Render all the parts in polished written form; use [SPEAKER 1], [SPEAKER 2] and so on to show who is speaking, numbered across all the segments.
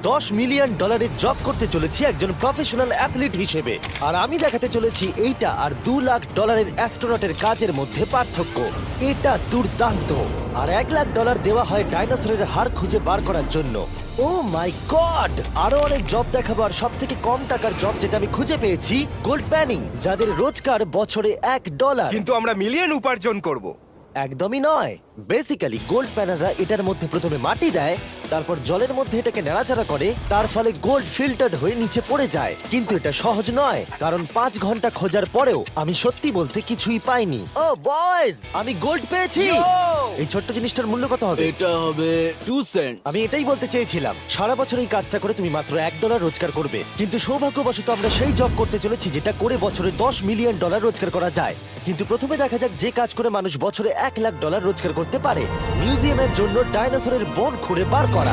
[SPEAKER 1] $10 million job করতে চলেছি একজন প্রফেশনাল অ্যাথলিট হিসেবে। আর আমি দেখাতে চলেছি এইটা আর $2 লাখ অ্যাস্ট্রোনটের কাজের মধ্যে পার্থক্য। এটা দুর্দান্ত। আর $1 লাখ দেওয়া হয় ডাইনোসরের হাড় খুঁজে বার করার জন্য। Oh my god! আরো অনেক জব দেখাবো। আর সব থেকে কম টাকার জব যেটা আমি খুঁজে পেয়েছি, গোল্ড প্যানিং, যাদের রোজগার বছরে $1।
[SPEAKER 2] কিন্তু আমরা মিলিয়ন উপার্জন করব।
[SPEAKER 1] একদমই নয়। বেসিক্যালি গোল্ড প্যানাররা এটার মধ্যে প্রথমে মাটি দেয়, তারপর জলের মধ্যে এটাকে নাড়াচাড়া করে, তার ফলে গোল্ড ফিল্টার্ড হয়ে নিচে পড়ে যায়। কিন্তু এটা সহজ নয়, কারণ 5 ঘন্টা খোঁজার পরেও আমি সত্যি বলতে কিছুই পাইনি। ও বয়েজ, আমি গোল্ড পেয়েছি। এই ছোট্ট জিনিসটার মূল্য কত হবে?
[SPEAKER 3] এটা হবে 2 সেন্ট।
[SPEAKER 1] আমি এটাই বলতে চেয়েছিলাম। সারা বছর এই কাজটা করে তুমি মাত্র $1 রোজগার করবে, কিন্তু সৌভাগ্যবশত আমরা সেই জব করতে চলেছি যেটা করে বছরে $10 মিলিয়ন রোজগার করা যায়। কিন্তু প্রথমে দেখা যাক যে কাজ করে মানুষ বছরে $1 লাখ রোজগার করতে পারে। মিউজিয়ামের জন্য ডাইনোসরের বোন খুঁড়ে বার করা।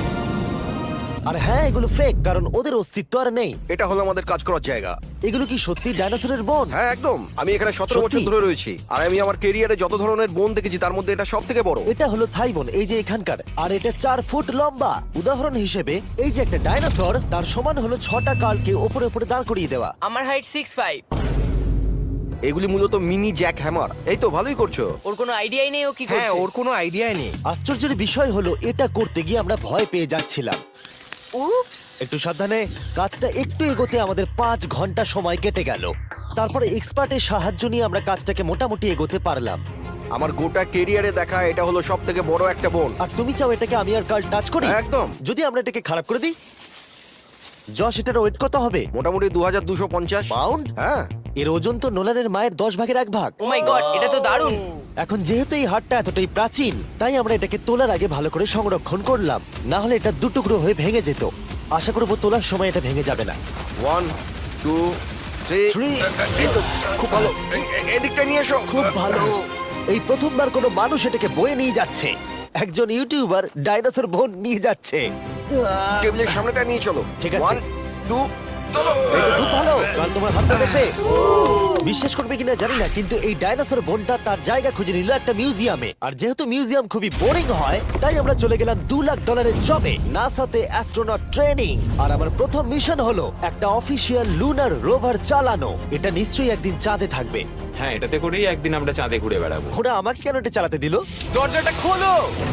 [SPEAKER 1] আর হ্যাঁ, এগুলো ফেক, কারণ ওদের অস্তিত্ব আর নেই।
[SPEAKER 4] এটা হলো আমাদের কাজ করার জায়গা।
[SPEAKER 1] এগুলো কি সত্যি ডাইনোসরের বোন?
[SPEAKER 4] হ্যাঁ একদম। আমি এখানে 17
[SPEAKER 1] সত্যি?
[SPEAKER 4] বছর ধরে রয়েছি, আর আমি আমার কেরিয়ারে যত ধরনের বোন দেখেছি তার মধ্যে এটা সব থেকে বড়।
[SPEAKER 1] এটা হলো থাই বোন, এই যে এখানকার। আর এটা 4 ফুট লম্বা। উদাহরণ হিসেবে এই যে একটা ডাইনোসর, তার সমান হলো 6টা কালকে ওপরে ওপরে দাঁড় করিয়ে দেওয়া।
[SPEAKER 5] আমার হাইট 6'5".
[SPEAKER 4] এগুলি মূলত মিনি জ্যাক হ্যামার। এই তো ভালোই করছো।
[SPEAKER 5] ওর কোনো আইডিয়াই নেই ও কি
[SPEAKER 2] হ্যাঁ,
[SPEAKER 5] করছে।
[SPEAKER 2] ওর কোনো আইডিয়াই নেই।
[SPEAKER 1] আশ্চর্যের বিষয় হলো এটা করতে গিয়ে আমরা ভয় পেয়ে যাচ্ছিলাম।
[SPEAKER 5] উপস।
[SPEAKER 1] একটু সাবধানে। কাজটা একটু এগোতে আমাদের 5 ঘন্টা সময় কেটে গেল। তারপরে এক্সপার্টের সাহায্য নিয়ে আমরা কাজটাকে মোটামুটি এগোতে পারলাম।
[SPEAKER 4] আমার গোটা কেরিয়ারে দেখা এটা হলো সব থেকে বড় একটা বোন।
[SPEAKER 1] আর তুমি চাও এটাকে আমি আর কাল টাচ করি?
[SPEAKER 4] একদম।
[SPEAKER 1] যদি আমরা এটাকে খারাপ করে দিই? যশ, এটার ওয়েট কত হবে?
[SPEAKER 4] মোটামুটি 2250
[SPEAKER 1] পাউন্ড?
[SPEAKER 4] হ্যাঁ।
[SPEAKER 1] এর ওজন তো নোলানের মায়ের 10 ভাগের 1 ভাগ।
[SPEAKER 5] ও মাই গড, এটা তো দারুণ।
[SPEAKER 1] এখন যেহেতু এই হাটটা এতটাই প্রাচীন, তাই আমরা এটাকে তোলার আগে ভালো করে সংরক্ষণ করলাম। না হলে এটা দুটুকরো হয়ে ভেঙে যেত। আশা করবো তোলার সময় এটা ভেঙে যাবে না।
[SPEAKER 4] 1 2 3
[SPEAKER 1] Three.
[SPEAKER 4] এই তো, খুব ভালো। এদিকটা নিয়ে এসো।
[SPEAKER 1] খুব ভালো। এই প্রথমবার কোনো মানুষ এটাকে বয়ে নিয়ে যাচ্ছে। একজন ইউটিউবার ডাইনোসর বোন নিয়ে যাচ্ছে।
[SPEAKER 4] টেবিলের সামনেটা নিয়ে চলো।
[SPEAKER 1] ঠিক আছে।
[SPEAKER 4] 1 2 চলো।
[SPEAKER 1] এই তো খুব ভালো। কাল তোমার হাতটা দেখবে। বিশ্বাস করবে কিনা জানি না, কিন্তু এই ডাইনোসর বোনটা তার জায়গা খুঁজে নিল একটা মিউজিয়ামে। আর যেহেতু মিউজিয়াম খুবই বোরিং হয়, তাই আমরা চলে গেলাম $2 লাখ জবে, নাসাতে অ্যাস্ট্রোনট ট্রেনিং। আর আমার প্রথম মিশন হলো একটা অফিসিয়াল লুনার রোভার চালানো। এটা নিশ্চয়ই একদিন চাঁদে থাকবে।
[SPEAKER 6] হ্যাঁ, এটাতে করেই একদিন আমরা চাঁদে ঘুরে বেড়াবো।
[SPEAKER 1] ওরা আমাকে কেন এটা চালাতে দিল?
[SPEAKER 2] দরজাটা খোলো।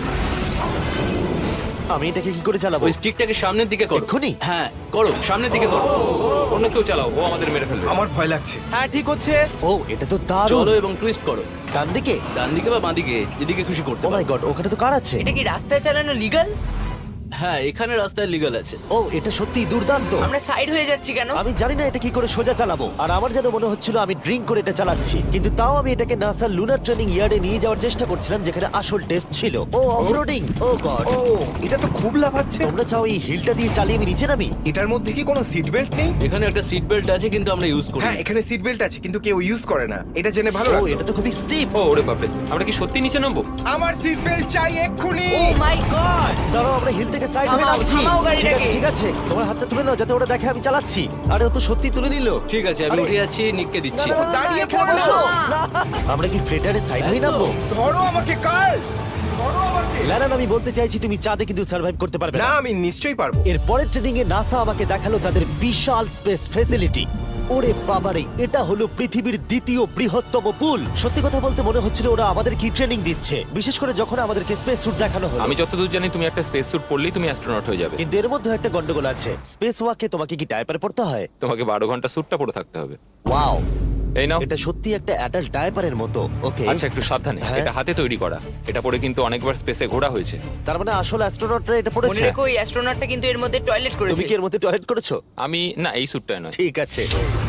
[SPEAKER 1] আমি এটাকে কি করে চালাবো?
[SPEAKER 3] ওই স্টিকটাকে সামনের দিকে করো।
[SPEAKER 1] এক্ষুনি?
[SPEAKER 3] হ্যাঁ, করো, সামনের দিকে করো।
[SPEAKER 6] অন্য কেউ চালাও, ও আমাদের মেরে ফেলবে।
[SPEAKER 2] আমার ভয় লাগছে। হ্যাঁ, ঠিক হচ্ছে।
[SPEAKER 1] ও, এটা তো দারুণ।
[SPEAKER 3] চলো এবং টুইস্ট করো।
[SPEAKER 1] ডান দিকে?
[SPEAKER 3] ডান দিকে বা বাঁ দিকে, যেদিকে খুশি করতে
[SPEAKER 1] ও মাই
[SPEAKER 3] পারো।
[SPEAKER 1] গড, ওখানে তো কার আছে?
[SPEAKER 5] এটা কি রাস্তায় চালানো লিগ্যাল?
[SPEAKER 3] হ্যাঁ, এখানে রাস্তায় লিগ্যাল আছে।
[SPEAKER 1] ও, এটা সত্যিই দুর্দান্ত।
[SPEAKER 5] আমরা সাইড হয়ে যাচ্ছি কেন?
[SPEAKER 1] আমি জানি না এটা কি করে সোজা চালাবো। আর আমার যেন মনে হচ্ছিল আমি ড্রিঙ্ক করে এটা চালাচ্ছি। কিন্তু তাও আমি এটাকে নাসার লুনার ট্রেনিং ইয়ার্ডে নিয়ে যাওয়ার চেষ্টা করছিলাম, যেখানে আসল টেস্ট ছিল। ও অফরোডিং। ও গড।
[SPEAKER 2] ও, এটা তো খুব লাফাচ্ছে।
[SPEAKER 1] তোমরা চাও এই হিলটা দিয়ে চালিয়ে আমি নিচে নামি?
[SPEAKER 2] এটার মধ্যে কি কোনো সিট বেল্ট নেই?
[SPEAKER 3] এখানে একটা সিট বেল্ট আছে, কিন্তু আমরা ইউজ করি
[SPEAKER 2] হ্যাঁ,
[SPEAKER 3] না।
[SPEAKER 2] এখানে সিট বেল্ট আছে কিন্তু কেউ ইউজ করে না। এটা জেনে ভালো
[SPEAKER 1] ও,
[SPEAKER 2] লাগলো।
[SPEAKER 1] এটা তো খুবই স্টিপ।
[SPEAKER 6] ও ওরে বাপরে, আমরা কি সত্যি নিচে নামবো?
[SPEAKER 2] আমার সিট বেল্ট চাই এক্ষুনি।
[SPEAKER 5] Oh my god.
[SPEAKER 1] দাঁড়াও, আমরা হিল থেকে সাইড হয়ে
[SPEAKER 5] থামাও,
[SPEAKER 1] নামছি।
[SPEAKER 5] থামাও গাড়িটাকে।
[SPEAKER 1] ঠিক আছে, ঠিক আছে। তোমার হাতটা তুলে নাও যাতে ওরা দেখে আমি চালাচ্ছি। আরে ও তো সত্যি তুলে নিল।
[SPEAKER 3] ঠিক আছে, আমি
[SPEAKER 1] আরে-
[SPEAKER 3] উঠে যাচ্ছি, নিককে
[SPEAKER 1] না,
[SPEAKER 3] দিচ্ছি।
[SPEAKER 1] না, না, না,
[SPEAKER 2] দাঁড়িয়ে
[SPEAKER 1] এখানে
[SPEAKER 2] পড়ো।
[SPEAKER 1] বসো। না। আমরা কি ফ্রেটারে সাইড হয়ে নামবো?
[SPEAKER 2] ধরো আমাকে কাল। ধরো আমাকে।
[SPEAKER 1] ল্যানান, আমি বলতে চাইছি তুমি চাঁদে কিন্তু সার্ভাইভ করতে পারবে
[SPEAKER 2] না,
[SPEAKER 1] না।
[SPEAKER 2] আমি নিশ্চয়ই পারবো।
[SPEAKER 1] এর পরের ট্রেনিং এ নাসা আমাকে দেখালো তাদের বিশাল স্পেস ফেসিলিটি। ওরে বাবারে, এটা হলো পৃথিবীর দ্বিতীয় বৃহত্তম পুল। সত্যি কথা বলতে মনে হচ্ছিল ওরা আমাদের কি ট্রেনিং দিচ্ছে, বিশেষ করে যখন আমাদেরকে স্পেস স্যুট দেখানো হলো।
[SPEAKER 6] আমি যতদূর জানি তুমি একটা স্পেস স্যুট পরলেই তুমি অ্যাস্ট্রোনট হয়ে যাবে।
[SPEAKER 1] কিন্তু এর মধ্যে একটা গন্ডগোল আছে। স্পেস ওয়াকে তোমাকে কি ডায়পার পড়তে হয়?
[SPEAKER 6] তোমাকে 12 ঘন্টা স্যুটটা পরে থাকতে হবে।
[SPEAKER 1] ওয়াও,
[SPEAKER 6] এই নাও।
[SPEAKER 1] এটা সত্যি একটা অ্যাডাল্ট ডায়পারের মতো। ওকে,
[SPEAKER 6] আচ্ছা, একটু সাবধানে।
[SPEAKER 1] হ্যাঁ।
[SPEAKER 6] এটা হাতে তৈরি করা। এটা পরে কিন্তু অনেকবার স্পেসে ঘোরা হয়েছে।
[SPEAKER 1] তার মানে আসল অ্যাস্ট্রোনটরা এটা
[SPEAKER 5] মনে
[SPEAKER 1] পড়েছে।
[SPEAKER 5] রেখো এই অ্যাস্ট্রোনটটা কিন্তু এর মধ্যে টয়লেট
[SPEAKER 1] তুমি
[SPEAKER 5] করেছে।
[SPEAKER 1] কি এর মধ্যে টয়লেট করেছো?
[SPEAKER 6] আমি না, এই স্যুটটাই নয়।
[SPEAKER 1] ঠিক আছে।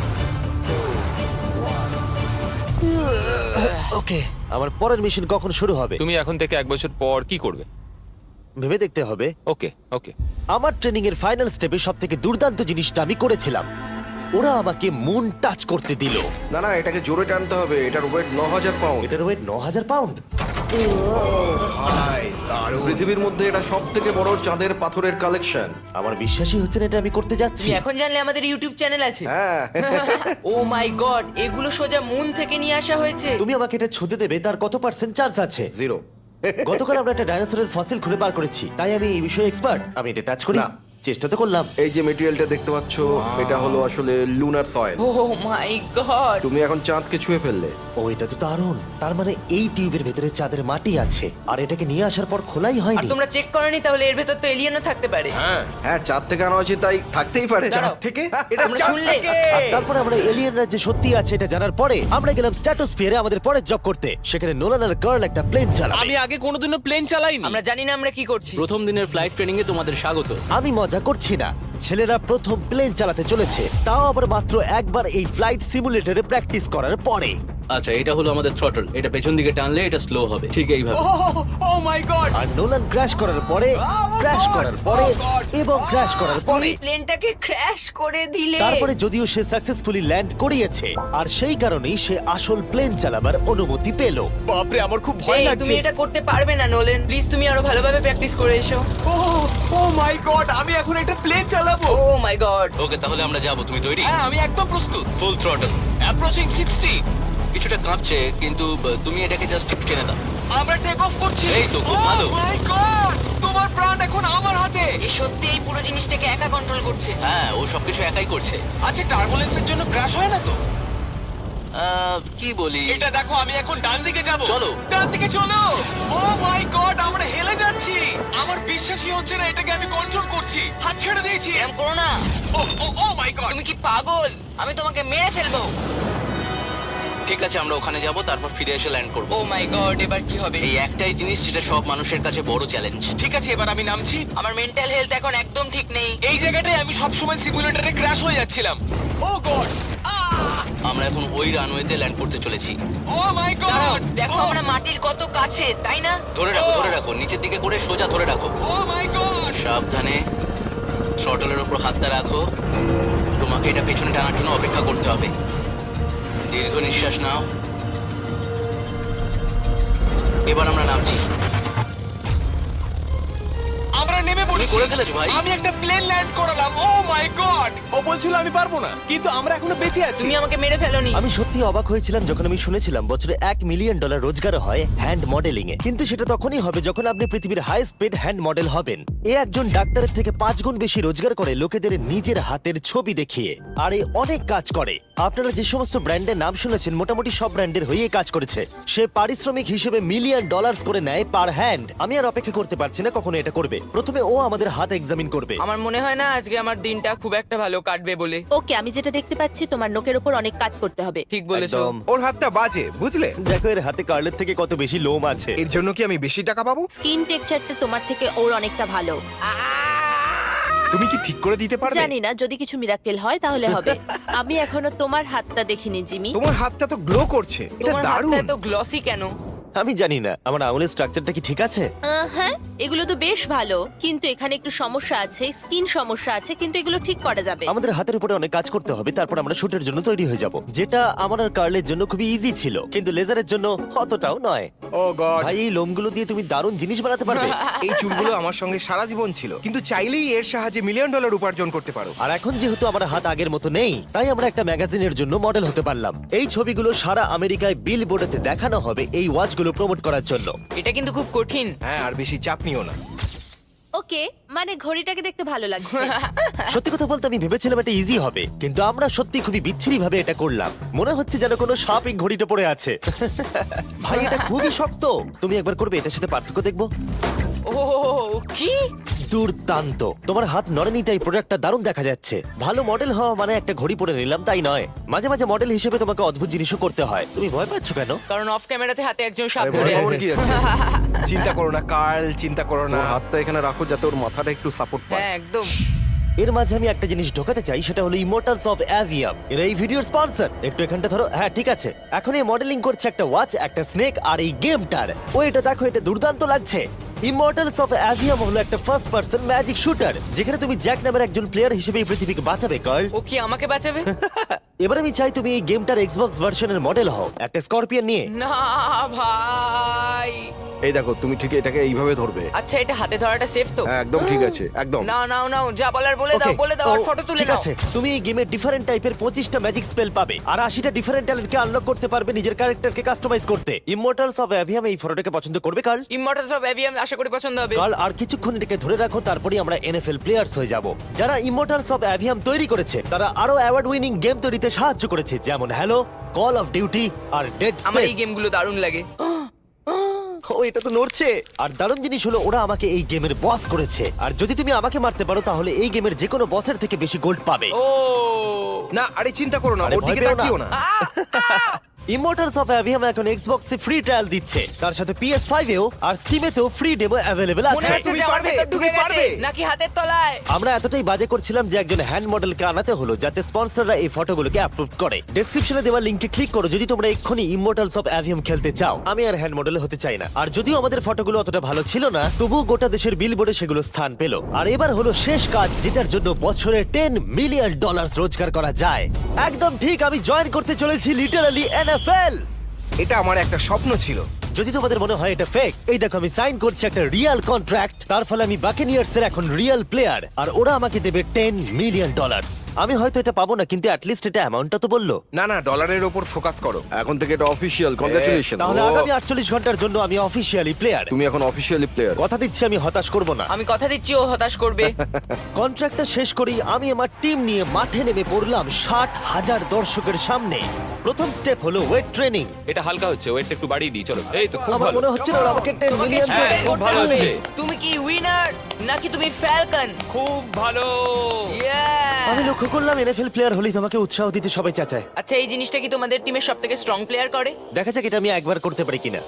[SPEAKER 1] ওকে, আমার পরের মিশন কখন শুরু হবে
[SPEAKER 6] তুমি এখন থেকে 1 বছর পর কি করবে?
[SPEAKER 1] ভেবে দেখতে হবে।
[SPEAKER 6] ওকে ওকে।
[SPEAKER 1] আমার ট্রেনিং এর ফাইনাল স্টেপে সবথেকে দুর্দান্ত জিনিসটা আমি করেছিলাম। ওরা আমাকে মুন টাচ করতে দিল।
[SPEAKER 4] না না, এটাকে জোরে টানতে হবে। এটার ওয়েট 9000 পাউন্ড।
[SPEAKER 1] এটার ওয়েট 9000 পাউন্ড।
[SPEAKER 2] ভাই, দারুণ।
[SPEAKER 4] পৃথিবীর মধ্যে এটা সব থেকে বড় চাঁদের পাথরের কালেকশন।
[SPEAKER 1] আমার বিশ্বাসই হচ্ছে না এটা আমি করতে যাচ্ছি।
[SPEAKER 5] তুমি এখন জানলে আমাদের ইউটিউব চ্যানেল আছে।
[SPEAKER 4] হ্যাঁ।
[SPEAKER 5] ও মাই গড, এগুলো সোজা মুন থেকে নিয়ে আসা হয়েছে।
[SPEAKER 1] তুমি আমাকে এটা ছুঁতে দেবে, তার কত পার্সেন্ট চার্জ আছে?
[SPEAKER 4] 0।
[SPEAKER 1] গতকাল আমরা একটা ডাইনোসরের ফসিল খুঁজে বার করেছি, তাই আমি এই বিষয়ে এক্সপার্ট। আমি এটা টাচ করি।
[SPEAKER 4] না।
[SPEAKER 1] চেষ্টা তো করলাম।
[SPEAKER 4] এই যে মেটেরিয়ালটা দেখতে পাচ্ছ, এটা হলো আসলে lunar soil.
[SPEAKER 5] Oh my god,
[SPEAKER 4] তুমি এখন চাঁদকে ছুঁয়ে ফেললে।
[SPEAKER 1] ও এটা তো দারুণ। তার মানে এই টিউবের ভেতরে চাঁদের মাটি আছে আর এটাকে নিয়ে আসার পর খোলাই
[SPEAKER 5] আর
[SPEAKER 1] হয়নি।
[SPEAKER 5] তোমরা চেক করনি তাহলে এর ভেতর তো এলিয়েনও থাকতে পারে।
[SPEAKER 4] হ্যাঁ, চাঁদ থেকে আনা হয়েছে তাই থাকতেই পারে।
[SPEAKER 5] দাঁড়াও।
[SPEAKER 2] থেকে এটা
[SPEAKER 5] আমরা
[SPEAKER 2] চাঁদ
[SPEAKER 5] শুনলে?
[SPEAKER 2] থেকে।
[SPEAKER 1] আর তারপরে আমরা এলিয়েনরা যে সত্যি আছে এটা জানার পরে আমরা গেলাম স্ট্র্যাটোস্ফিয়ারে আমাদের পরের জব করতে। সেখানে নোলান আর গার্ল একটা প্লেন চালাবে।
[SPEAKER 3] আমি আগে কোনোদিনও প্লেন চালাইনি।
[SPEAKER 5] আমরা জানি না আমরা কি করছি।
[SPEAKER 3] প্রথম দিনের ফ্লাইট ট্রেনিং এ তোমাদের স্বাগত।
[SPEAKER 1] আমি মজা করছি না, ছেলেরা প্রথম প্লেন চালাতে চলেছে, তাও আবার মাত্র একবার এই ফ্লাইট সিমুলেটরে প্র্যাকটিস করার পরে।
[SPEAKER 3] আচ্ছা, এটা হলো আমাদের থ্রটল। এটা পেছন দিকে টানলে এটা স্লো হবে, ঠিক এইভাবে।
[SPEAKER 2] Oh my god.
[SPEAKER 1] আর নোলান ক্র্যাশ করার পরে, ক্র্যাশ করার পরে এবং ক্র্যাশ করার পরে
[SPEAKER 5] প্লেনটাকে ক্র্যাশ করে দিলে।
[SPEAKER 1] তারপরে যদিও সে সাকসেসফুলি ল্যান্ড করিয়েছে আর সেই কারণেই সে আসল প্লেন চালাবার অনুমতি পেল।
[SPEAKER 2] বাপরে, আমার খুব ভয়
[SPEAKER 5] এই,
[SPEAKER 2] লাগছে।
[SPEAKER 5] তুমি এটা করতে পারবে না নোলেন। প্লিজ তুমি আরো ভালোভাবে প্র্যাকটিস করে এসো।
[SPEAKER 2] ও মাই গড, আমি এখন একটা প্লেন চালাবো।
[SPEAKER 5] ও মাই গড।
[SPEAKER 3] ওকে, তাহলে আমরা যাব। তুমি তৈরি?
[SPEAKER 2] হ্যাঁ, আমি একদম প্রস্তুত।
[SPEAKER 3] Full throttle, approaching 60। কিছুটা কাঁপছে, কিন্তু তুমি এটাকে জাস্ট একটু টেনে দাও।
[SPEAKER 2] আমরা টেক অফ করছি।
[SPEAKER 3] এই তো, খুব ভালো।
[SPEAKER 2] ও মাই গড, তোমার প্রাণ এখন আমার হাতে।
[SPEAKER 5] এ সত্যি এই পুরো জিনিসটাকে একা কন্ট্রোল করছে।
[SPEAKER 3] হ্যাঁ, ও সবকিছু একাই করছে।
[SPEAKER 2] আচ্ছা, টার্বুলেন্সের জন্য ক্র্যাশ হয় না তো?
[SPEAKER 3] কি বলি?
[SPEAKER 2] এটা দেখো, আমি এখন ডান দিকে যাব।
[SPEAKER 3] চলো।
[SPEAKER 2] ডান দিকে চলো। ও মাই গড, আমরা হেলে যাচ্ছি। আমার বিশ্বাসই হচ্ছে না এটাকে আমি কন্ট্রোল করছি। হাত ছেড়ে দিয়েছি।
[SPEAKER 5] এরকম করো না।
[SPEAKER 2] Oh my god.
[SPEAKER 5] তুমি কি পাগল? আমি তোমাকে মেরে ফেলবো।
[SPEAKER 3] ঠিক আছে, আমরা ওখানে যাব, তারপর ফিরে এসে ল্যান্ড করব।
[SPEAKER 5] ও মাই গড, এবার কি হবে?
[SPEAKER 3] এই একটাই জিনিস যেটা সব মানুষের কাছে বড় চ্যালেঞ্জ।
[SPEAKER 2] ঠিক আছে, এবার আমি নামছি।
[SPEAKER 5] আমার মেন্টাল হেলথ এখন একদম ঠিক নেই।
[SPEAKER 2] এই জায়গাটায় আমি সবসময় সিমুলেটরে ক্র্যাশ হয়ে যাচ্ছিলাম। Oh god.
[SPEAKER 3] আমরা এখন ওই রানওয়েতে ল্যান্ড করতে চলেছি।
[SPEAKER 2] ও মাই
[SPEAKER 5] দাঁড়াও,
[SPEAKER 2] গড।
[SPEAKER 5] দেখো আমরা মাটির কত কাছে, তাই না?
[SPEAKER 3] ধরে রাখো, ধরে রাখো, নিচের দিকে করে সোজা ধরে রাখো।
[SPEAKER 2] Oh my god.
[SPEAKER 3] সাবধানে শটলের উপর হাতটা রাখো। তোমাকে এটা পেছনে টানার জন্য অপেক্ষা করতে হবে। দীর্ঘ নিঃশ্বাস নাও। এবার আমরা নামছি।
[SPEAKER 2] আমরা নেমে
[SPEAKER 3] তুমি
[SPEAKER 2] পড়েছি।
[SPEAKER 3] করে ফেলেছো ভাই।
[SPEAKER 2] আমি একটা প্লেন ল্যান্ড করালাম। ও মাই গড। ও বলছিল আমি পারবো না, কিন্তু আমরা এখনো বেঁচে আছি।
[SPEAKER 5] তুমি আমাকে মেরে ফেলোনি।
[SPEAKER 1] আমি সত্যি অবাক হয়েছিলাম যখন আমি শুনেছিলাম বছরে $1 মিলিয়ন রোজগার হয় হ্যান্ড মডেলিং এ। কিন্তু সেটা তখনই হবে যখন আপনি পৃথিবীর হাইস্ট পেড হ্যান্ড মডেল হবেন। এ একজন ডাক্তারের থেকে 5 গুণ বেশি রোজগার করে লোকেদের নিজের হাতের ছবি দেখিয়ে। আর এ অনেক কাজ করে। আপনারা যে সমস্ত ব্র্যান্ডের নাম শুনেছেন মোটামুটি সব ব্র্যান্ডের হয়েই কাজ করেছে। সে পারিশ্রমিক হিসেবে $1 মিলিয়ন করে নেয় পার হ্যান্ড। আমি আর অপেক্ষা করতে পারছি না কখনো এটা করবে। প্রথমে ও আমাদের হাত এক্সামিন করবে।
[SPEAKER 5] আমার মনে হয় না আজকে আমার দিনটা খুব একটা ভালো কাটবে বলে।
[SPEAKER 7] ওকে, আমি যেটা দেখতে পাচ্ছি তোমার নোকের ওপর অনেক কাজ করতে হবে।
[SPEAKER 5] ঠিক বলেছো।
[SPEAKER 1] একদম।
[SPEAKER 2] ওর হাতটা বাজে, বুঝলে?
[SPEAKER 1] দেখো এর হাতে কার্লের থেকে কত বেশি লোম আছে।
[SPEAKER 2] এর জন্য কি আমি বেশি টাকা পাবো?
[SPEAKER 7] স্কিন টেক্সচারটা তোমার থেকে ওর অনেকটা ভালো।
[SPEAKER 2] তুমি কি ঠিক করে দিতে পারবে?
[SPEAKER 7] জানি না, যদি কিছু মিরাকেল হয় তাহলে হবে। আমি এখনো তোমার হাতটা দেখিনি জিমি।
[SPEAKER 2] তোমার হাতটা তো গ্লো করছে। এটা
[SPEAKER 5] তোমার হাতটা
[SPEAKER 2] দারুণ।
[SPEAKER 5] এত গ্লসি কেন?
[SPEAKER 1] আমি জানি না আমার আঙুলের স্ট্রাকচারটা কি ঠিক আছে।
[SPEAKER 7] হ্যাঁ, এগুলো তো বেশ ভালো, কিন্তু এখানে একটু সমস্যা আছে, স্কিন সমস্যা আছে, কিন্তু এগুলো ঠিক করা যাবে।
[SPEAKER 1] আমাদের হাতের উপরে অনেক কাজ করতে হবে, তারপর আমরা শুটের জন্য তৈরি হয়ে যাব, যেটা আমার আর কার্লের জন্য খুবই ইজি ছিল, কিন্তু লেজারের জন্য অতটাও নয়।
[SPEAKER 2] Oh god.
[SPEAKER 1] ভাই এই লোমগুলো দিয়ে তুমি দারুণ জিনিস বানাতে পারবে।
[SPEAKER 2] এই চুলগুলো আমার সঙ্গে সারা জীবন ছিল, কিন্তু চাইলেই এর সাহায্যে $1 মিলিয়ন উপার্জন করতে পারো।
[SPEAKER 1] আর এখন যেহেতু আমার হাত আগের মতো নেই, তাই আমরা একটা ম্যাগাজিনের জন্য মডেল হতে পারলাম। এই ছবিগুলো সারা আমেরিকায় বিলবোর্ডেতে দেখানো হবে এই ওয়াচগুলো প্রমোট করার জন্য।
[SPEAKER 5] এটা কিন্তু খুব কঠিন।
[SPEAKER 2] হ্যাঁ, আর বেশি চাপ নিও না।
[SPEAKER 7] ওকে, মানে ঘড়িটাকে দেখতে ভালো লাগছে।
[SPEAKER 1] সত্যি কথা বলতে আমি ভেবেছিলাম এটা ইজি হবে, কিন্তু আমরা সত্যি খুবই বিচ্ছিরি ভাবে এটা করলাম। মনে হচ্ছে যেন কোনো সাপ এই ঘড়িটা পড়ে আছে। ভাই এটা খুবই শক্ত। তুমি একবার করবে, এটার সাথে পার্থক্য দেখবো।
[SPEAKER 5] ও কি
[SPEAKER 1] দুর্দান্ত। তোমার হাত নড়েনি তাই প্রোডাক্টটা দারুণ দেখা যাচ্ছে। ভালো মডেল হওয়া মানে একটা ঘড়ি পরে নিলাম তাই নয়, মাঝে মাঝে মডেল হিসেবে তোমাকে অদ্ভুত জিনিসও করতে হয়। তুমি ভয় পাচ্ছ কেন?
[SPEAKER 5] কারণ অফ ক্যামেরাতে হাতে একজন সাপ
[SPEAKER 4] আরে
[SPEAKER 5] ধরে
[SPEAKER 4] ভয় পাওয়ার
[SPEAKER 5] আছে।
[SPEAKER 4] কি আছে?
[SPEAKER 2] চিন্তা করো না কার্ল, চিন্তা করো না।
[SPEAKER 4] ওর হাতটা এখানে রাখো যাতে ওর মাথাটা একটু সাপোর্ট পায়।
[SPEAKER 5] হ্যাঁ একদম।
[SPEAKER 1] এর মাঝে আমি একটা জিনিস ঢোকাতে চাই, সেটা হলো ইমোর্টালস অফ অ্যাভিয়াম। এরা এই ভিডিওর স্পন্সর। একটু এখানটা ধরো। হ্যাঁ ঠিক আছে। এখন এই মডেলিং করছে একটা ওয়াচ, একটা স্নেক আর এই গেমটার। ও এটা দেখো, এটা দুর্দান্ত লাগছে। ইমর্টালস অফ অ্যাভিয়াম হলো একটা ফার্স্ট পার্সন ম্যাজিক শুটার, যেখানে তুমি জ্যাক নামের একজন প্লেয়ার হিসেবে এই পৃথিবীকে বাঁচাবে গার্ল।
[SPEAKER 5] ও কি আমাকে বাঁচাবে?
[SPEAKER 1] এবার আমি চাই তুমি এই গেমটার এক্সবক্স ভার্সনের মডেল হও, একটা স্করপিয়ন নিয়ে।
[SPEAKER 5] না ভাই,
[SPEAKER 4] এই দেখো, তুমি ঠিক এটাকে এইভাবে ধরবে।
[SPEAKER 5] আচ্ছা এটা হাতে ধরাটা সেফ তো?
[SPEAKER 4] হ্যাঁ, একদম ঠিক আছে, একদম।
[SPEAKER 5] নাও নাও নাও, যা বলার বলে দাও,
[SPEAKER 1] Okay,
[SPEAKER 5] বলে দাও, আর
[SPEAKER 1] তো
[SPEAKER 5] ফটো তুলে
[SPEAKER 1] ঠিক
[SPEAKER 5] নাও।
[SPEAKER 1] আছে, তুমি এই গেমে ডিফারেন্ট টাইপের 25টা ম্যাজিক স্পেল পাবে আর 80টা ডিফারেন্ট ট্যালেন্টকে আনলক করতে পারবে নিজের ক্যারেক্টারকে কাস্টমাইজ করতে। ইমমর্টালস অফ অ্যাভিয়াম এই ফটোটাকে পছন্দ করবে কার্ল?
[SPEAKER 5] ইমমর্টালস অফ অ্যাভিয়াম আশা করি পছন্দ হবে।
[SPEAKER 1] কার্ল, আর কিছুক্ষণ এটাকে ধরে রাখো, তারপরেই আমরা এনএফএল প্লেয়ার্স হয়ে যাব। যারা ইমমর্টালস অফ অ্যাভিয়াম তৈরি করেছে তারা আরো অ্যাওয়ার্ড উইনিং গেম তৈরিতে সাহায্য করেছে, যেমন হ্যালো, কল অফ ডিউটি আর ডেড
[SPEAKER 5] আমার এই
[SPEAKER 1] স্পেস।
[SPEAKER 5] গেমগুলো দারুণ লাগে।
[SPEAKER 1] ও, এটা তো নড়ছে। আর দারুণ জিনিস হলো ওরা আমাকে এই গেমের বস করেছে, আর যদি তুমি আমাকে মারতে পারো তাহলে এই গেমের যে কোনো বসের থেকে বেশি গোল্ড পাবে।
[SPEAKER 5] ও
[SPEAKER 8] না, আরে চিন্তা করো না,
[SPEAKER 1] আরে
[SPEAKER 8] ওর
[SPEAKER 1] ভয়
[SPEAKER 8] দিকে
[SPEAKER 1] পেও না।
[SPEAKER 8] তাকিও না।
[SPEAKER 1] ইমমর্টালস অফ অ্যাভিয়াম এখন এক্সবক্সে ফ্রি ট্রায়াল দিচ্ছে, তার সাথে PS5 এও আর স্টিমেতেও ফ্রি ডেমো অ্যাভেলেবল
[SPEAKER 5] মনে
[SPEAKER 1] আছে।
[SPEAKER 5] হচ্ছে
[SPEAKER 8] তুমি
[SPEAKER 5] যে আমার
[SPEAKER 8] পারবে,
[SPEAKER 5] ভেতর ঢুকে
[SPEAKER 8] তুমি
[SPEAKER 5] গেছে
[SPEAKER 8] পারবে।
[SPEAKER 5] নাকি হাতের তলায়।
[SPEAKER 1] আমরা এতটাই বাজে করছিলাম যে একজন হ্যান্ড মডেলকে আনাতে হলো যাতে স্পন্সররা এই ফটোগুলোকে অ্যাপ্রুভ করে। ডেসক্রিপশনে দেওয়া লিংকে ক্লিক করো যদি তোমরা এক্ষুনি ইমমর্টালস অফ অ্যাভিয়াম খেলতে চাও। আমি আর হ্যান্ড মডেল হতে চাই না, আর যদিও আমাদের ফটোগুলো অতটা ভালো ছিল না, তবুও গোটা দেশের বিলবোর্ডে সেগুলো স্থান পেল। আর এবার হলো শেষ কাজ, যেটার জন্য বছরে $10 মিলিয়ন রোজগার করা যায়। একদম ঠিক, আমি জয়েন করতে চলেছি লিটারালি NFL।
[SPEAKER 8] এটা আমার একটা স্বপ্ন ছিল।
[SPEAKER 1] যদি তোমাদের মনে হয় এটা ফেক, এই দেখো আমি সাইন করছি একটা রিয়েল কন্ট্রাক্ট। তার ফলে আমি বাকেনিয়ার্স এর এখন রিয়েল প্লেয়ার, আর ওরা আমাকে দেবে $10 মিলিয়ন। আমি হয়তো এটা পাবো না, কিন্তু অ্যাটলিস্ট এটা অ্যামাউন্টটা তো বললো।
[SPEAKER 8] না না, ডলারের ওপর ফোকাস করো।
[SPEAKER 4] এখন থেকে এটা অফিসিয়াল, কংগ্রাচুলেশন।
[SPEAKER 1] তাহলে আগামী 48 ঘন্টার জন্য আমি অফিসিয়ালি প্লেয়ার।
[SPEAKER 4] তুমি এখন অফিসিয়ালি প্লেয়ার।
[SPEAKER 1] কথা দিচ্ছি আমি হতাশ করব না।
[SPEAKER 5] আমি কথা দিচ্ছি ও হতাশ করবে।
[SPEAKER 1] কন্ট্রাক্টটা শেষ করেই আমি আমার টিম নিয়ে মাঠে নেমে পড়লাম 60,000 দর্শকের সামনে। প্রথম স্টেপ হলো ওয়েট ট্রেনিং।
[SPEAKER 6] এটা হালকা হচ্ছে, ওয়েটটা একটু বাড়িয়ে দিই, চলো। এই তো খুব
[SPEAKER 1] আমার
[SPEAKER 6] ভালো।
[SPEAKER 1] মনে হচ্ছে না ওরা আমাকে 10 মিলিয়ন
[SPEAKER 5] তোমাকে
[SPEAKER 1] দেবে।
[SPEAKER 5] struggle
[SPEAKER 6] খুব ভালো
[SPEAKER 5] করতে হবে।
[SPEAKER 6] হচ্ছে।
[SPEAKER 5] তুমি কি উইনার নাকি তুমি ফ্যালকন?
[SPEAKER 6] খুব ভালো।
[SPEAKER 1] আমি লক্ষ্য করলাম NFL প্লেয়ার হলেই তোমাকে উৎসাহ দিতে সবাই চাচায়।
[SPEAKER 5] আচ্ছা এই জিনিসটা কি তোমাদের টিমের সবথেকে স্ট্রং প্লেয়ার করে?
[SPEAKER 1] দেখা যাক এটা আমি একবার করতে পারি কিনা।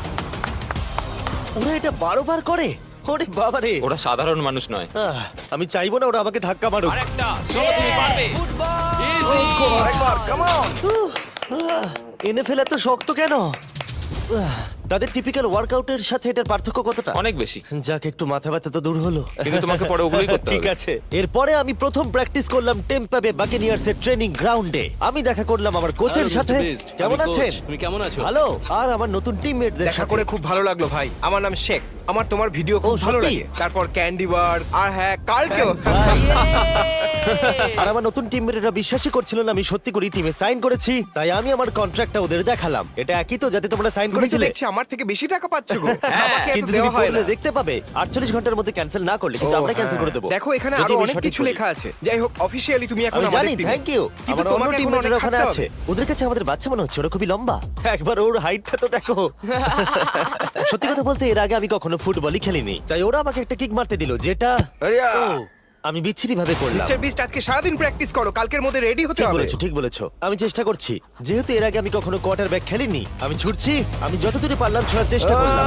[SPEAKER 1] ওরা এটা 12 বার করে। ওরে বাবারে।
[SPEAKER 6] ওরা সাধারণ মানুষ নয়।
[SPEAKER 1] আমি চাইবো না ওরা আমাকে ধাক্কা মারুক।
[SPEAKER 6] আরেকটা, চলো তুমি পারবে।
[SPEAKER 5] ফুটবল।
[SPEAKER 6] Easy!
[SPEAKER 4] আরেকবার, কাম অন।
[SPEAKER 1] NFL এত শক্ত কেন? তাদের টিপিক্যাল ওয়ার্কআউটের সাথে এটার পার্থক্য কতটা?
[SPEAKER 6] অনেক বেশি।
[SPEAKER 1] যাক, একটু মাথা ব্যথা তো দূর হলো।
[SPEAKER 6] কিন্তু তোমাকে পরে ওগুলোই করতে
[SPEAKER 1] ঠিক
[SPEAKER 6] হবে।
[SPEAKER 1] আছে। এরপরে আমি প্রথম প্র্যাকটিস করলাম টেম্পা বে বাকেনিয়ার্স এর ট্রেনিং গ্রাউন্ডে। আমি দেখা করলাম আমার কোচের সাথে। কেমন আছেন?
[SPEAKER 9] তুমি কেমন আছো?
[SPEAKER 1] ভালো। আর আমার নতুন টিমমেটদের
[SPEAKER 8] দেখা
[SPEAKER 1] সাথে।
[SPEAKER 8] করে খুব ভালো লাগলো ভাই। আমার নাম শেখ। আমার তোমার ভিডিও খুব
[SPEAKER 1] ও,
[SPEAKER 8] ভালো
[SPEAKER 1] সত্যি?
[SPEAKER 8] লাগে। তারপর ক্যান্ডি বার আর হ্যাঁ কালকেও।
[SPEAKER 1] আর আমার নতুন টিমমেটরা বিশ্বাসই করছিল না আমি সত্যি করে টিমে সাইন করেছি, তাই আমি আমার কন্ট্রাক্টটা ওদের দেখালাম। এটা একই তো যাতে তোমরা সাইন
[SPEAKER 8] তুমি তো
[SPEAKER 1] করেছিলে?
[SPEAKER 8] দেখছি আমার থেকে বেশি টাকা পাচ্ছ গো। আমাকে এত
[SPEAKER 1] কিন্তু
[SPEAKER 8] দেওয়া
[SPEAKER 1] তুমি
[SPEAKER 8] হয়
[SPEAKER 1] পড়লে
[SPEAKER 8] না।
[SPEAKER 1] দেখতে পাবে 48 ঘন্টার মধ্যে ক্যান্সেল না করলে কিন্তু
[SPEAKER 8] ও,
[SPEAKER 1] আমরা ক্যান্সেল
[SPEAKER 8] হ্যাঁ।
[SPEAKER 1] করে দেবো।
[SPEAKER 8] দেখো এখানে
[SPEAKER 1] যদি
[SPEAKER 8] আরো
[SPEAKER 1] আমি
[SPEAKER 8] অনেক
[SPEAKER 1] সঠিক
[SPEAKER 8] কিছু
[SPEAKER 1] বলি।
[SPEAKER 8] লেখা আছে। যাই হোক, অফিশিয়ালি তুমি এখন
[SPEAKER 1] আমি
[SPEAKER 8] আমাদের
[SPEAKER 1] জানি,
[SPEAKER 8] টিমে।
[SPEAKER 1] Thank you.
[SPEAKER 8] কিন্তু
[SPEAKER 1] আমার অন্য
[SPEAKER 8] তোমাকে এখন
[SPEAKER 1] টিমমেটরা
[SPEAKER 8] অনেক
[SPEAKER 1] ওখানে
[SPEAKER 8] খাটতে
[SPEAKER 1] আছে।
[SPEAKER 8] হবে।
[SPEAKER 1] ওদের কাছে আমাদের বাচ্চা মনে হচ্ছে, ওরা খুবই লম্বা। একবার ওর হাইটটা তো দেখো। সত্যি কথা বলতে এর আগে আমি কখনো ফুটবলই খেলিনি, তাই ওরা আমাকে একটা কিক মারতে দিল যেটা
[SPEAKER 4] আরিয়া।
[SPEAKER 1] ও, আমি বিচ্ছিরি ভাবে করলাম।
[SPEAKER 8] মিস্টার বিস্ট আজকে সারাদিন প্র্যাকটিস করো, কালকের মধ্যে রেডি হতে
[SPEAKER 1] ঠিক
[SPEAKER 8] হবে।
[SPEAKER 1] বলেছো, ঠিক বলেছো। আমি চেষ্টা করছি। যেহেতু এর আগে আমি কখনো কোয়ার্টারব্যাক খেলিনি, আমি ছুটছি। আমি যতদূর পারলাম ছোড়ার চেষ্টা করলাম।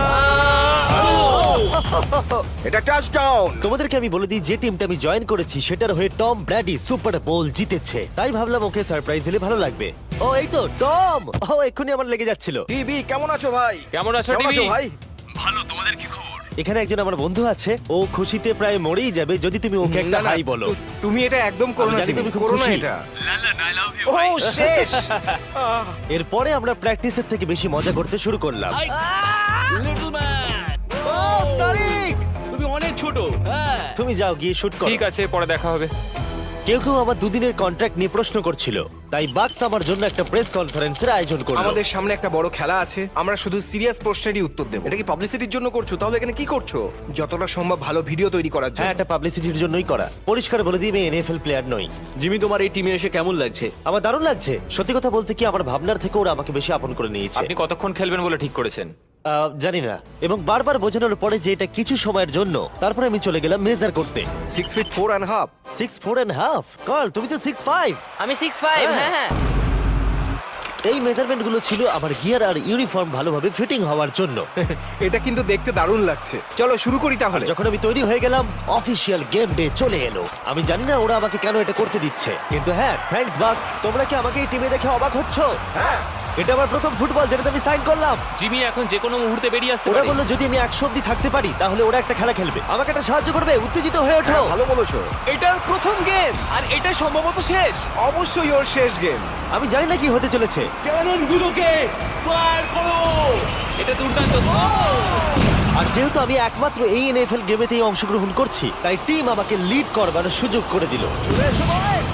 [SPEAKER 4] এটা টাচডাউন।
[SPEAKER 1] তোমাদেরকে আমি বলে দিই যে টিমটা আমি জয়েন করেছি সেটার হয়ে টম ব্র্যাডি সুপার বোল জিতেছে, তাই ভাবলাম ওকে সারপ্রাইজ দিলে ভালো লাগবে। ও, এই তো টম। ও, এক্ষুনি আমার লেগে যাচ্ছিল।
[SPEAKER 4] টিভি কেমন আছো ভাই?
[SPEAKER 6] কেমন আছো,
[SPEAKER 4] কেমন
[SPEAKER 6] টিভি?
[SPEAKER 4] আছো ভাই?
[SPEAKER 1] এখানে একজন আমার বন্ধু আছে, ও খুশিতে প্রায় মরেই যাবে যদি তুমি ওকে একটা
[SPEAKER 8] না, না,
[SPEAKER 1] হাই বলো।
[SPEAKER 8] তুমি এটা একদম করো
[SPEAKER 1] আমি
[SPEAKER 8] না।
[SPEAKER 1] জানি তুমি খুব
[SPEAKER 8] করো না
[SPEAKER 1] খুশি।
[SPEAKER 8] এটা। ও শেষ।
[SPEAKER 1] এরপরে আমরা প্র্যাকটিসের থেকে বেশি মজা করতে শুরু করলাম।
[SPEAKER 9] Little man,
[SPEAKER 1] oh, Tariq!
[SPEAKER 9] তুমি অনেক ছোট। হ্যাঁ,
[SPEAKER 1] তুমি যাও গিয়ে শুট করো।
[SPEAKER 6] ঠিক আছে, পরে দেখা হবে।
[SPEAKER 1] কেউ কেউ আমার দুদিনের কন্ট্রাক্ট নিয়ে প্রশ্ন করছিল, তাই বাক্স আমার জন্য একটা প্রেস কনফারেন্সের আয়োজন করলো।
[SPEAKER 8] আমাদের সামনে একটা বড় খেলা আছে। আমরা শুধু সিরিয়াস প্রশ্নেরই উত্তর দেব।
[SPEAKER 4] এটা কি পাবলিসিটির জন্য করছো? তাহলে এখানে কি করছো?
[SPEAKER 8] যতটা সম্ভব ভালো ভিডিও তৈরি করার
[SPEAKER 1] হ্যাঁ,
[SPEAKER 8] জন্য।
[SPEAKER 1] এটা পাবলিসিটির জন্যই করা। পরিষ্কার বলে দিই আমি NFL প্লেয়ার নই।
[SPEAKER 9] জিমি তোমার এই টিমে এসে কেমন লাগছে?
[SPEAKER 1] আমার দারুণ লাগছে। সত্যি কথা বলতে কি, আমার ভাবনার থেকে ওরা আমাকে বেশি আপন করে নিয়েছে।
[SPEAKER 6] আপনি কতক্ষণ খেলবেন বলে ঠিক করেছেন?
[SPEAKER 1] জানি না, এবং বারবার বোঝানোর পরে যে এটা কিছু সময়ের জন্য। তারপরে আমি চলে গেলাম মেজার করতে।
[SPEAKER 4] 6 feet 4 and half।
[SPEAKER 1] 6'4.5" কল, তুমি তো 6'5".
[SPEAKER 5] আমি 6'5", হ্যাঁ হ্যাঁ।
[SPEAKER 1] এই মেজারমেন্ট গুলো ছিল আমার গিয়ার আর ইউনিফর্ম ভালোভাবে ফিটিং হওয়ার জন্য।
[SPEAKER 8] এটা কিন্তু দেখতে দারুণ লাগছে। চলো শুরু করি তাহলে।
[SPEAKER 1] যখন আমি তৈরি হয়ে গেলাম, অফিসিয়াল গেম ডে চলে এলো। আমি জানি না ওরা আমাকে কেন এটা করতে দিচ্ছে, কিন্তু হ্যাঁ, থ্যাঙ্কস বাক্স। তোমরা কি আমাকে এই টিমে দেখে অবাক হচ্ছ?
[SPEAKER 4] হ্যাঁ,
[SPEAKER 1] এটা আমার প্রথম ফুটবল যেটাতে আমি সাইন করলাম।
[SPEAKER 6] জিমি এখন যে কোনো মুহূর্তে বেরিয়ে আসতে
[SPEAKER 1] ওরা
[SPEAKER 6] পারে।
[SPEAKER 1] বললো যদি আমি 100 অব্দি থাকতে পারি তাহলে ওরা একটা খেলা খেলবে, আমাকে একটা সাহায্য করবে, উত্তেজিত হয়ে ওঠো।
[SPEAKER 4] ভালো বলেছো।
[SPEAKER 9] এটার প্রথম গেম আর এটা সম্ভবত শেষ।
[SPEAKER 8] অবশ্যই ওর শেষ গেম।
[SPEAKER 1] আমি জানি না কি হতে চলেছে।
[SPEAKER 9] ক্যানন গুলোকে ফায়ার করো।
[SPEAKER 6] এটা দুর্দান্ত।
[SPEAKER 1] আর যেহেতু আমি একমাত্র এই এনএফএল গেমেতেই অংশগ্রহণ করছি, তাই টিম আমাকে লিড করবার সুযোগ করে দিল। চলে এসো বয়েজ।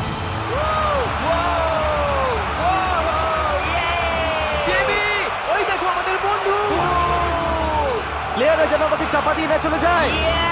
[SPEAKER 9] জিমি, ওই দেখো আমাদের বন্ধু।
[SPEAKER 1] প্লেয়াররা যেন আমাকে চাপা দিয়ে না চলে যায়।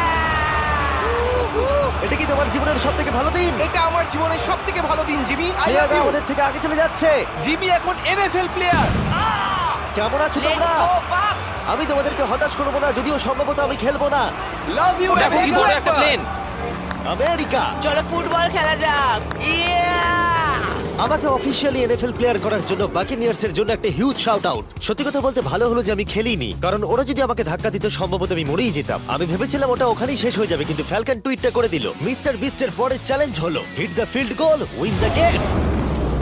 [SPEAKER 1] এটা কি তোমার জীবনের সব থেকে ভালো দিন?
[SPEAKER 8] এটা আমার জীবনের সবথেকে ভালো দিন, জিমি। আই লাভ
[SPEAKER 1] প্লেয়াররা
[SPEAKER 8] ইউ।
[SPEAKER 1] আমাদের থেকে আগে চলে যাচ্ছে।
[SPEAKER 9] জিমি এখন এনএফএল প্লেয়ার।
[SPEAKER 1] কেমন আছো তোমরা? আমি তোমাদেরকে হতাশ করবো না, যদিও সম্ভবত আমি খেলবো না।
[SPEAKER 9] Love you.
[SPEAKER 6] দেখো কি বড় একটা প্লেন।
[SPEAKER 1] আমেরিকা
[SPEAKER 5] চলো ফুটবল খেলা যাক।
[SPEAKER 1] আমাকে অফিসিয়ালি এনএফএল প্লেয়ার করার জন্য বাকিনিয়ার্স এর জন্য একটা হিউজ শাউট আউট। সত্যি কথা বলতে ভালো হলো যে আমি খেলিনি, কারণ ওরা যদি আমাকে ধাক্কা দিত সম্ভবত আমি মরেই যেতাম। আমি ভেবেছিলাম ওটা ওখানেই শেষ হয়ে যাবে, কিন্তু ফ্যালকন টুইটটা করে দিল, মিস্টার বিস্টের পরের চ্যালেঞ্জ হলো hit the field goal, win the game.